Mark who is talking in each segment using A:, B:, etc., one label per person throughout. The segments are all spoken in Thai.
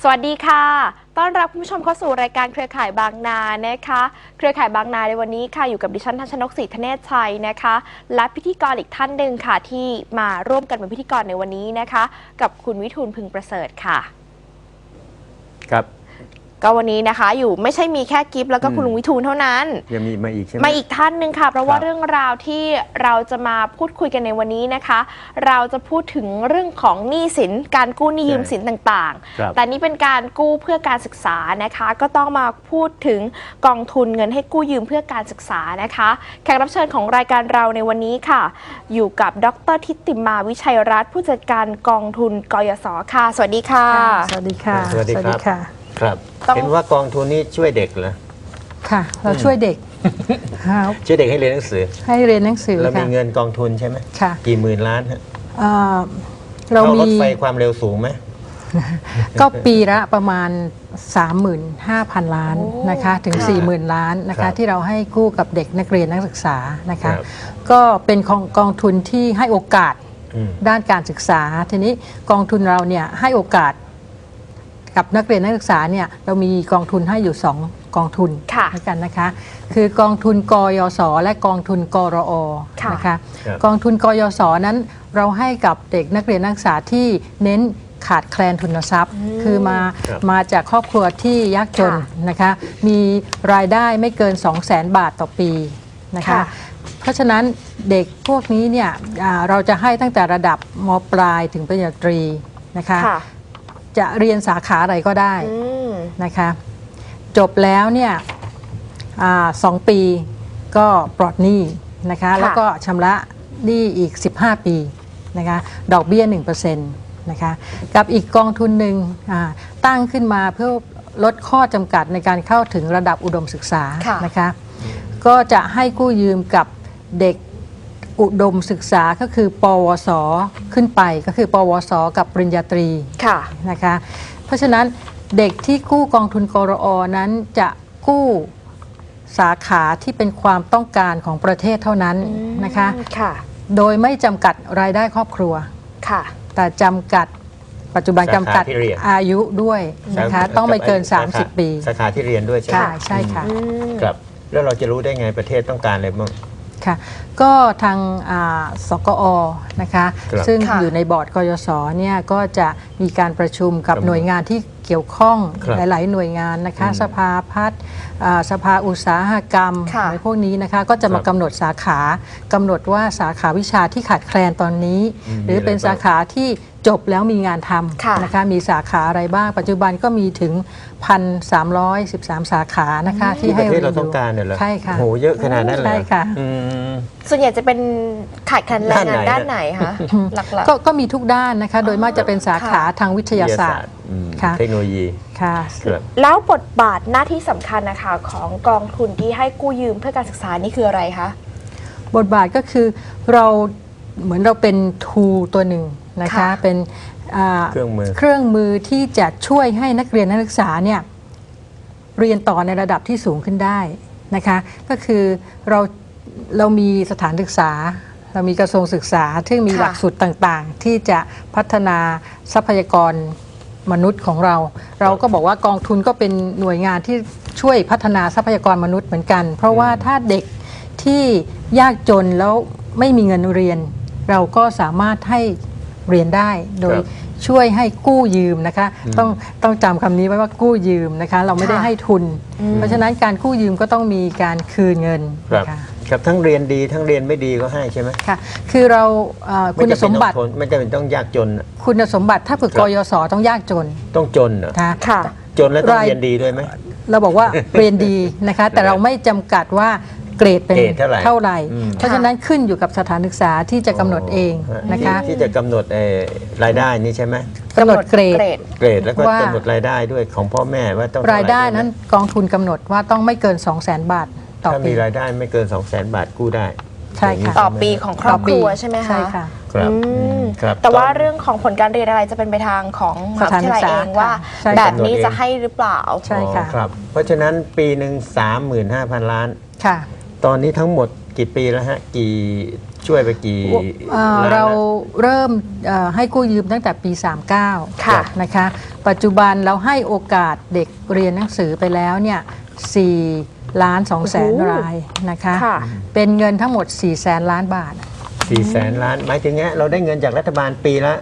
A: สวัสดีค่ะต้อนรับคุณผู้ชมเข้าสู่รายการเครือข่ายบางนานะคะเครือข่ายบางนาในวันนี้ค่ะอยู่กับดิฉันทัชนกศรีธเนศชัยนะคะและพิธีกรอีกท่านหนึ่งค่ะที่มาร่วมกันเป็นพิธีกรในวันนี้นะคะกับคุณวิทูลพึงประเสริฐค่ะ
B: ครับ
A: ก็วันนี้นะคะอยู่ไม่ใช่มีแค่กิฟต์แล้วก็คุณลุงวิทูลเท่านั้น
B: ยังมีมาอีกใช่ไหม
A: มาอีกท่านหนึ่งค่ะเพราะว่าเรื่องราวที่เราจะมาพูดคุยกันในวันนี้นะคะเราจะพูดถึงเรื่องของหนี้สินการกู้หนี้ยืมสินต่างๆแต่นี่เป็นการกู้เพื่อการศึกษานะคะก็ต้องมาพูดถึงกองทุนเงินให้กู้ยืมเพื่อการศึกษานะคะแขกรับเชิญของรายการเราในวันนี้ค่ะอยู่กับดร.ทิติมาวิชัยรัตน์ผู้จัดการกองทุนกยศ.ค่ะสวัสดีค่ะ
C: สวัสดีค่ะ
B: สวัสดีครับครับเห็นว่ากองทุนนี้ช่วยเด็กเหรอ
C: ค่ะเราช่วยเด็ก
B: ช่วยเด็กให้เรียนหนังสือเรามีเงินกองทุนใช่ไหม
C: ค่ะ
B: กี่หมื่นล้านฮะ
C: เรามี
B: รถไฟความเร็วสูงไหม
C: ก็ปีละประมาณ 35,000 ล้านนะคะถึง 40,000 ล้านนะคะที่เราให้กู้กับเด็กนักเรียนนักศึกษานะคะก็เป็นกองทุนที่ให้โอกาสด้านการศึกษาทีนี้กองทุนเราเนี่ยให้โอกาสกับนักเรียนนักศึกษาเนี่ยเรามีกองทุนให้อยู่2กองทุนด้วยกันนะคะคือกองทุนกยศและกองทุนกรอนะคะกองทุนกยศนั้นเราให้กับเด็กนักเรียนนักศึกษาที่เน้นขาดแคลนทุนทรัพย์คือมาจากครอบครัวที่ยากจนนะคะมีรายได้ไม่เกิน 200,000 บาทต่อปีนะคะเพราะฉะนั้นเด็กพวกนี้เนี่ยเราจะให้ตั้งแต่ระดับม.ปลายถึงปริญญาตรีนะคะจะเรียนสาขาอะไรก็ได้นะคะจบแล้วเนี่ย2 ปีก็ปลอดหนี้นะคะแล้วก็ชำระหนี้อีก15 ปีนะคะดอกเบี้ย 1% นะคะกับอีกกองทุนหนึ่งตั้งขึ้นมาเพื่อลดข้อจำกัดในการเข้าถึงระดับอุดมศึกษานะคะก็จะให้กู้ยืมกับเด็กอุดมศึกษาก็คือปวสขึ้นไปก็คือปวสกับปริญญาตรีนะคะเพราะฉะนั้นเด็กที่กู้กองทุนกรอนั้นจะกู้สาขาที่เป็นความต้องการของประเทศเท่านั้นนะคะโดยไม่จำกัดรายได้ครอบครัวแต่จำกัดปัจจุบันจำกัดอายุด้วยนะคะต้องไม่เกิน30 ปี
B: สาขาที่เรียนด้วยใช่ไหม
C: ใช่ค่ะ
B: ครับแล้วเราจะรู้ได้ไงประเทศต้องการอะไรบ้าง
C: ค่ะก็ทางสกอนะคะซึ่งอยู่ในบอร์ดกยศเนี่ยก็จะมีการประชุมกับหน่วยงานที่เกี่ยวข้องหลายๆหน่วยงานนะคะสภาพัฒน์สภาอุตสาหกรรมอะไรพวกนี้นะคะก็จะมากำหนดสาขากำหนดว่าสาขาวิชาที่ขาดแคลนตอนนี้หรือเป็นสาขาที่จบแล้วมีงานทำนะคะมีสาขาอะไรบ้างปัจจุบันก็มีถึง 1,313 สาขานะคะที่ให้
B: ประเทศเราต้องการเนี่ยเหรอ
C: ใช่ค่ะ
B: โหเยอะขนาดนั้นเลย
C: ใช่ค่ะ
A: ส่วนใหญ่จะเป็นขาดแคลนแรงงานด้านไหนคะหลัก
C: ๆก็มีทุกด้านนะคะโดยมากจะเป็นสาขาทางวิทยาศาสตร์
B: เทคโนโลยี
C: ค่ะ
A: แล้วบทบาทหน้าที่สำคัญนะคะของกองทุนที่ให้กู้ยืมเพื่อการศึกษานี่คืออะไรคะ
C: บทบาทก็คือเราเหมือนเราเป็นทูตัวหนึ่งนะคะเป็น
B: เค
C: รื่องมือที่จะช่วยให้นักเรียนนักศึกษาเนี่ยเรียนต่อในระดับที่สูงขึ้นได้นะคะก็คือเรามีสถานศึกษาเรามีกระทรวงศึกษาที่มีหลักสูตรต่างๆที่จะพัฒนาทรัพยากรมนุษย์ของเราก็บอกว่ากองทุนก็เป็นหน่วยงานที่ช่วยพัฒนาทรัพยากรมนุษย์เหมือนกันเพราะว่าถ้าเด็กที่ยากจนแล้วไม่มีเงินเรียนเราก็สามารถให้เรียนได้โดยช่วยให้กู้ยืมนะคะต้องจำคำนี้ไว้ว่ากู้ยืมนะคะเราไม่ได้ให้ทุนเพราะฉะนั้นการกู้ยืมก็ต้องมีการคืนเงิน
B: ครับทั้งเรียนดีทั้งเรียนไม่ดีก็ให้ใช่ไหม
C: ค่ะคือเราคุณสมบัติ
B: ไม่จำเป็นต้องยากจน
C: คุณสมบัติถ้าฝึกกยศต้องยากจน
B: ต้องจนเหรอ
C: ค่ะ
B: จนแล้วต้องเรียนดีด้วยไหม
C: เราบอกว่าเรียนดีนะคะแต่เราไม่จำกัดว่าเกรดเป็นเท่าไหร่เพราะฉะนั้นขึ้นอยู่กับสถานศึกษาที่จะกำหนดเองนะคะ
B: ที่จะกำหนดรายได้นี่ใช่ไหม
C: กำหนดเกรด
B: แล้วก็กำหนดรายได้ด้วยของพ่อแม่ว่าต้อง
C: รายได้นั้นกองทุนกำหนดว่าต้องไม่เกิน 200,000 บาทต่อปี
B: ถ้ามีรายได้ไม่เกิน 200,000 บาทกู้ได้
C: ใช่ค่ะ
A: ต่อปีของครอบครัวใช่ไหมคะ
C: ใช่ค่ะ
A: แต่ว่าเรื่องของผลการเรียนอะไรจะเป็นไปทางของมหาวิทยาลัยเองว่าแบบนี้จะให้หรือเปล่า
C: ใช่ค่ะ
B: เพราะฉะนั้นปีหนึ่ง 35,000 ล้าน
C: ค่ะ
B: ตอนนี้ทั้งหมดกี่ปีแล้วฮะช่วยไปกี่ล้าน
C: เรา
B: ละ
C: เริ่มให้กู้ยืมตั้งแต่ปี
A: ค่ะ
C: 39 นะคะปัจจุบันเราให้โอกาสเด็กเรียนหนังสือไปแล้วเนี่ย4,200,000 รายนะคะ
A: ค่ะ
C: เป็นเงินทั้งหมด400,000 ล้านบาท
B: 400,000 ล้านหมายถึงเงี้ยเราได้เงินจากรัฐบาลปีละ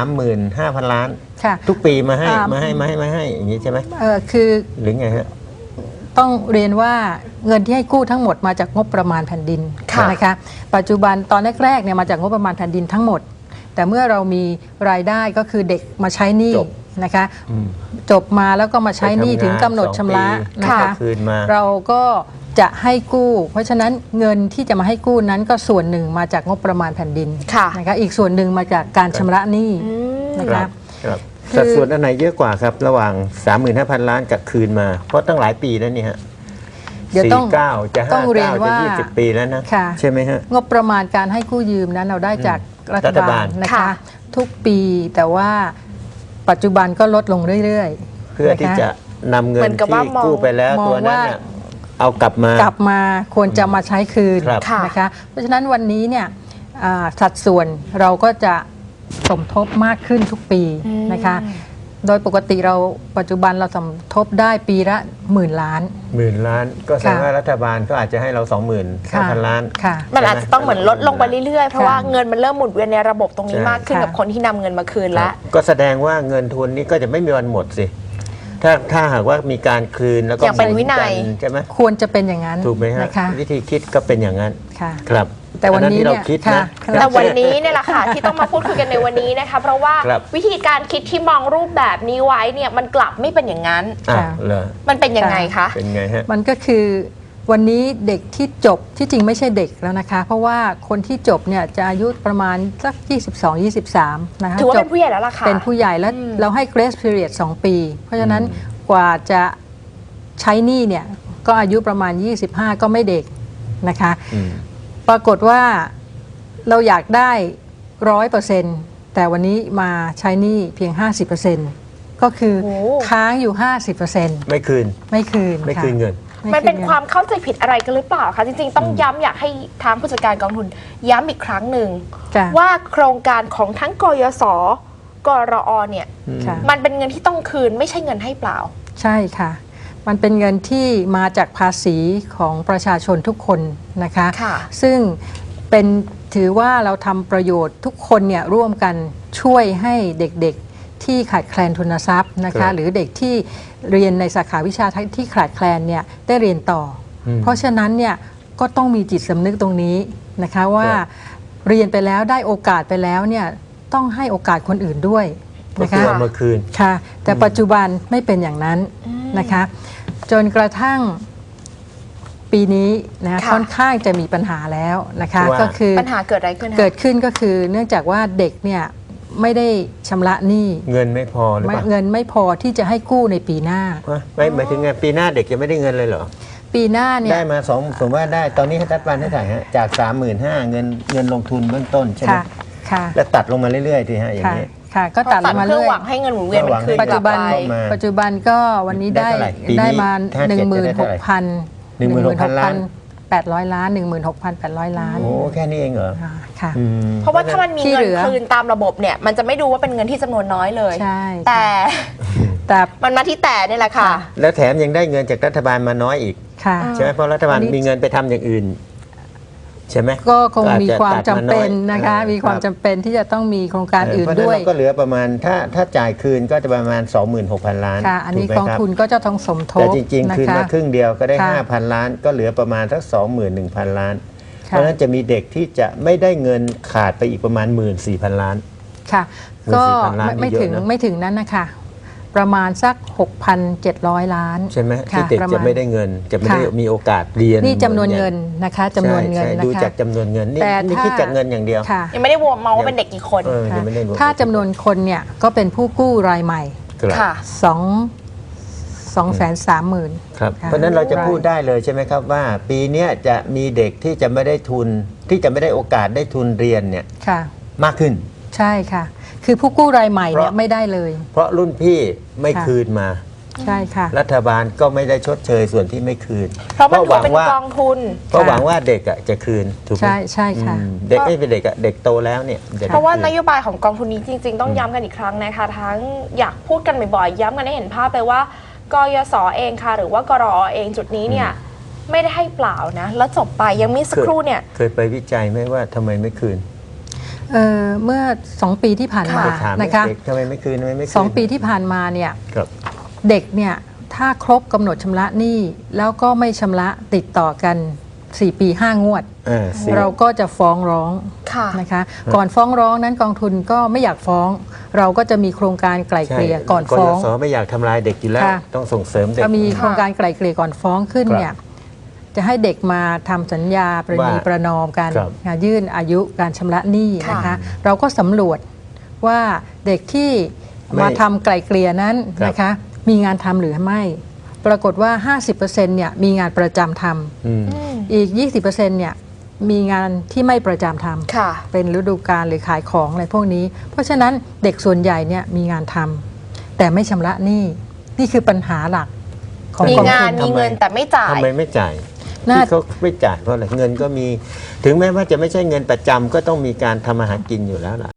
B: 35,000 ล้าน
C: ค่ะ
B: ทุกปีมาให้
C: อ่า
B: มาให้อย่างนี้ใช่ไหม
C: คือ
B: หรือไงฮะ
C: ต้องเรียนว่าเงินที่ให้กู้ทั้งหมดมาจากงบประมาณแผ่นดิน
A: ค่ะ
C: นะคะปัจจุบันตอนแรกๆเนี่ยมาจากงบประมาณแผ่นดินทั้งหมด แต่เมื่อเรามีรายได้ก็คือเด็กมาใช้หนี้
B: จบ
C: นะคะ
B: อืม
C: จบมาแล้วก็มาใช้หนี้
B: ไปทำงาน
C: ถึงกำหนดชำระ
B: 2 ปี
C: นะคะ
B: คืนมา
C: เราก็จะให้กู้ เพราะฉะนั้นเงินที่จะมาให้กู้นั้นก็ส่วนหนึ่งมาจากงบประมาณแผ่นดิน
A: ค่ะ
C: นะคะอีกส่วนหนึ่งมาจากการชำระหนี้
A: อืม
C: นะ
B: ค
C: คะ
B: รับครับ
C: คือ
B: สัดส่วนอันไหนเยอะกว่าครับ ระหว่าง 35,000 ล้านกับคืนมา เพราะตั้งหลายปีแล้วนี่ฮะ
C: เดี๋ยวต้อง
B: 49จะ
C: ต้องเรียน
B: 59จะ
C: ว่า
B: 20 ปีแล้วนะ
C: ค่ะ
B: ใช่ไหมฮะ
C: งบประมาณการให้กู้ยืมนั้นเราได้จากรัฐ
B: รัฐบา
C: บา
B: ล
C: ลนะ
A: ค่ะ
C: คะ ทุกปีแต่ว่าปัจจุบันก็ลดลงเรื่อยๆ
B: เพื่อที่จะนำเงิ
A: เหมื
B: น
A: อนกับ
B: ที่
A: ว่ามอง
B: กู้ไปแล้ว
C: มอง
B: ตัวนั้น
C: ว่า
B: น่ะเอากลับมา
C: กลับมาควรจะมาใช้คืน
B: ครับ
A: ค่ะ
C: นะคะเพราะฉะนั้นวันนี้เนี่ยสัดส่วนเราก็จะสมทบมากขึ้นทุกปีนะคะโดยปกติเราปัจจุบันเราสมทบได้ปีละ10,000 ล้าน
B: 10,000 ล้าน ก็แสดงว่ารัฐบาลก็อาจจะให้เรา 25,000 ล้าน
C: ค่ะ
A: มันอาจจะต้องเหมือนลดลงไปเรื่อยๆ เพราะ
C: ค่ะ
A: ว่าเงินมันเริ่มหมุนเวียนในระบบตรงนี้
B: ใช่
A: มากขึ้น
C: ค่ะ
A: กับคนที่นำเงินมาคืนแล้ว
B: ก็แสดงว่าเงินทุนนี้ก็จะไม่มีวันหมดสิ ถ้าหากว่ามีการคืนแล้วก็
A: อย่างเป็นวินัย
B: หมุกัใช่ไหม
C: ควรจะเป็นอย่างนั้น
B: ถูกไหมฮะ
C: นะคะ
B: วิธีคิดก็เป็นอย่างนั้น
C: ค่ะ
B: ครับ
C: แต่วันนี้
B: อัที่เรา
C: เนี่ย
B: คิด
C: ค่ะ
B: นะ
A: แต่วันนี้เนี่ยแหละค่ะ ที่ต้องมาพูดคุยกันในวันนี้นะคะเพราะว่า
B: ครับ
A: วิธีการคิดที่มองรูปแบบนี้ไว้เนี่ยมันกลับไม่เป็นอย่างนั้น
B: อ่ะ
C: ค่ะ
B: เหรอ
A: มันเป็นยังไงคะ
B: เป็นไงฮะ
C: มันก็คือวันนี้เด็กที่จบที่จริงไม่ใช่เด็กแล้วนะคะ เพราะว่าคนที่จบเนี่ยจะอายุประมาณสัก22-23นะคะ
A: ถือว่า
C: จ
A: เป็นผู้ใหญ่แล้วล่ะค่ะ
C: เป็นผู้ใหญ่แล้วเราให้ grace period 2 ปี เพราะฉะนั้นกว่าจะใช้หนี้เนี่ยก็อายุประมาณ 25 ก็ไม่เด็กนะคะ
B: อืม
C: ปรากฏว่าเราอยากได้ 100%แต่วันนี้มาใช้หนี้เพียง 50%ก็คือ
A: โอ้
C: ค้างอยู่ 50%
B: ไม่คืน
C: ไม่คืน
B: ไม่
C: ค่ะ
B: คืนเงิน
A: มันเป็น
C: ไงิ
A: ความเข้าใจผิดอะไรกันหรือเปล่าคะจริงๆต้องย้ำอยากให้ทางผู้จัดการกองทุนย้ำอีกครั้งหนึ่ง
C: ค่ะ
A: ว่าโครงการของทั้งกยศกรอเนี่ย
C: ค่ะ
A: มันเป็นเงินที่ต้องคืนไม่ใช่เงินให้เปล่า
C: ใช่ค่ะ มันเป็นเงินที่มาจากภาษีของประชาชนทุกคนนะคะ
A: ค่ะ
C: ซึ่งเป็นถือว่าเราทำประโยชน์ทุกคนเนี่ยร่วมกันช่วยให้เด็กๆที่ขาดแคลนทุนทรัพย์นะ
B: ครั
C: คะ
B: บ
C: หรือเด็กที่เรียนในสาขาวิชาที่ขาดแคลนเนี่ยได้เรียนต่ออ
B: ม
C: เพราะฉะนั้นเนี่ยก็ต้องมีจิตสำนึกตรงนี้นะคะว่า
B: ครับ
C: เรียนไปแล้วได้โอกาสไปแล้วเนี่ยต้องให้โอกาสคนอื่นด้วย
B: ก็
C: นะ
B: คื
C: คะ
B: อเอามาคืน
C: ค่ะแต่ปัจจุบันไม่เป็นอย่างนั้นนะคะจนกระทั่งปีนี้นะ
A: ค่ะ
C: ค่อนข้างจะมีปัญหาแล้วนะคะ
B: ว่า
C: ก็คือ
A: ปัญหาเกิดอะไรขึ้นคะ
C: เกิดขึ้นก็คือเนื่องจากว่าเด็กเนี่ยไม่ได้ชำระหนี้
B: เงินไม่พอหรือเปล่า
C: เงินไม่พอที่จะให้กู้ในปีหน้า
B: ไม่หมายถึงไงปีหน้าเด็กจะไม่ได้เงินเลยเหรอ
C: ปีหน้าเนี่ย
B: ได้มาสมมติว่าได้ตอนนี้ให้รัฐบาลให้ถ่ายฮะจาก 35,000เงินลงทุนเบื้องต้นใช่ไหม
C: ค่ะค่ะ
B: แล้วตัดลงมาเรื่อยๆทีฮะอย่าง
C: ค่ะ
B: นี้
C: ค่ะก็ตัดลงมา
A: เพื่อ
C: เรื่อย
A: หวังให้เงินหมุนเวียนมันคืน
C: ปัจจุบัน
A: กลัไป
B: มา
C: ปัจจุบันก็วันนี้ได้
B: ได้เท่าไหร่ปีนี้
C: ได้มา
B: ถ้าเจ็ดจะได้เท่าไหร่
C: 16,000
B: 16,000 ล้าน
C: 800 ล้าน 16,800 ล้าน
B: โอ้แค่นี้เองเหรอ
C: ค่ะ
B: อืม
A: เพราะว่าถ้ามันมี
C: ที่
A: เงิ
C: เห
A: น
C: ลือ
A: คืนตามระบบเนี่ยมันจะไม่ดูว่าเป็นเงินที่จำนวนน้อยเลย
C: ใช่
A: แต่
C: แต่
A: มันมาที่แต่นี่แหละค่ะ
B: แล้วแถมยังได้เงินจากรัฐบาลมาน้อยอีก
C: ค่ะ
B: ใช่ไหมเพราะรัฐบาล
C: อันนี้
B: มีเงินไปทำอย่างอื่น ใช่ไหม
C: ก็คง
B: อาจ
C: มี
B: จะ
C: ความจำเป็น
B: ตัดมาน้อย
C: นะคะ มีความจำเป็นที่จะต้องมีโครงการอื่น
B: เพราะฉะ
C: ด้วย
B: เราก็เหลือประมาณถ้าจ่ายคืนก็จะประมาณ 26,000 ล้าน
C: ค่ะ อันนี้
B: ถูไหม
C: กอง
B: ครับ
C: ทุนก็จะต้องสมท
B: แต่
C: บ
B: จริง
C: นะ
B: ๆ คืน
C: คะ
B: มาครึ่งเดียวก็ได้
C: ค่ะ
B: 5,000 ล้าน ก็เหลือประมาณสัก 21,000 ล้าน เพ
C: ค่ะ
B: ราะฉะนั้นจะมีเด็กที่จะไม่ได้เงินขาดไปอีกประมาณ 14,000 ล้าน
C: ค่ะ ก็
B: 14,000 ล้านนี่
C: ไม่
B: เยอะ
C: ถึง
B: นะ
C: ไม่ถึงนั้นนะคะ ประมาณสัก 6,700 ล้าน
B: ใช่ไหม
C: ค่ะ
B: ที่เด็ก
C: ประ
B: จะ
C: มาณ
B: ไม่ได้เงิน จะไม่ได้
C: ค่ะ
B: มีโอกาสเรียน
C: นี่จำนวนเงินนะคะจำนวนเงิน
B: ใช่
C: นะ
B: ดู
C: คะ
B: จากจำนวนเงินนี่
C: แต่
B: นี่
C: ถ้า
B: คิดจากเงินอย่างเดียว
C: ค่ะ
A: ยังไม่ได้มองว่าเป็นเด็กกี่คน
B: ยังไม่ได้รวม
C: ถ้าจำนวนคนเนี่ยก็เป็นผู้กู้รายใหม่
B: ครับ
A: ค่ะ
C: 230,000
B: ครับ
C: ค่ะ
B: เพราะฉะนั้นเราจะพูดได้เลยใช่ไหมครับว่า ปีเนี้ยจะมีเด็กที่จะไม่ได้ทุนที่จะไม่ได้โอกาสได้ทุนเรียนเนี่ย
C: ค่ะ
B: มากขึ้น
C: ใช่ค่ะ คือผู้กู้รายใหม่เนี่ย
B: เพราะ
C: ไม่ได้เลย
B: เพราะรุ่นพี่ไม่
C: ค่ะ
B: คืนมา
C: ใช่ค่ะ
B: รัฐบาลก็ไม่ได้ชดเชยส่วนที่ไม่คืน
A: เพราะมันถือเป็นกองทุน
B: เพราะหวังว่าเด็กอะจะคืนถูกไหม
C: ใช่ค่ะ
B: เด็กไม่เป็นเด็กอะเด็กโตแล้วเนี่ยจะได้
A: เพราะว่าน
B: คืน
A: โยบายของกองทุนนี้จริง ๆ ต้องย้ำกันอีกครั้งนะคะ ทั้งอยากพูดกันบ่อยๆย้ำกันให้เห็นภาพเลยว่ากยศเองค่ะ หรือว่ากรอเองจุดนี้เนี่ยไม่ได้ให้เปล่านะแล้วจบไปยังมีสักครู่เนี่ย
B: เคยไปวิจัยไหมว่าทำไมไม่คืน
C: เมื่อ 2 ปีที่ผ่านมา
B: ไปถาม
C: นะคะ
B: เด็กทำไมไม่คืนทำไมไม่คืน
C: 2 ปีที่ผ่านมาเนี่ย
B: ครับ
C: เด็กเนี่ยถ้าครบกำหนดชำระหนี้แล้วก็ไม่ชำระติดต่อกัน 4 ปี 5 งวด
B: สิ
C: เราก็จะฟ้องร้อง
A: ค่ะ
C: นะคะก่อนฟ้องร้องนั้นกองทุนก็ไม่อยากฟ้อง เราก็จะมีโครงการไกล่เกลี่ยก่อนฟ้อง
B: กยศไม่อยากทำลายเด็กอยู่แล้ว
C: ค่ะ
B: ต้องส่งเสริมเด็ก
C: ก็มีโครงการไกล่เกลี่ยก่อนฟ้องขึ้น
B: ครับ
C: เนี่ยจะให้เด็กมาทำสัญญาประนี
B: ว่า
C: ประนอมกัน
B: ครับ
C: ยื่นอายุการชำระหนี้นะคะ
A: ค่ะ
C: เราก็สำรวจว่าเด็กที่
B: ไม่
C: มาทำไกล่เกลี่ยนั้น
B: ครับ
C: นะคะมีงานทำหรือไม่ ปรากฏว่า 50%เนี่ยมีงานประจำท
B: อืม
C: ำอีก 20%เนี่ยมีงานที่ไม่ประจำทำ
A: ค่ะ
C: เป็นฤดูกาลหรือขายของอะไรพวกนี้ เพราะฉะนั้นเด็กส่วนใหญ่เนี่ยมีงานทำแต่ไม่ชำระหนี้นี่คือปัญหาหลักของ
A: มี
C: กอง
A: งา
C: ทุ
A: น
C: น
A: มีเงินแต่ไม่จ่าย
B: ทำไมไม่จ่าย
C: น่า
B: ที่เขาไม่จ่ายเพราะอะไรเงินก็มี ถึงแม้ว่าจะไม่ใช่เงินประจำก็ต้องมีการทำมาหากินอยู่แล้วล่ะ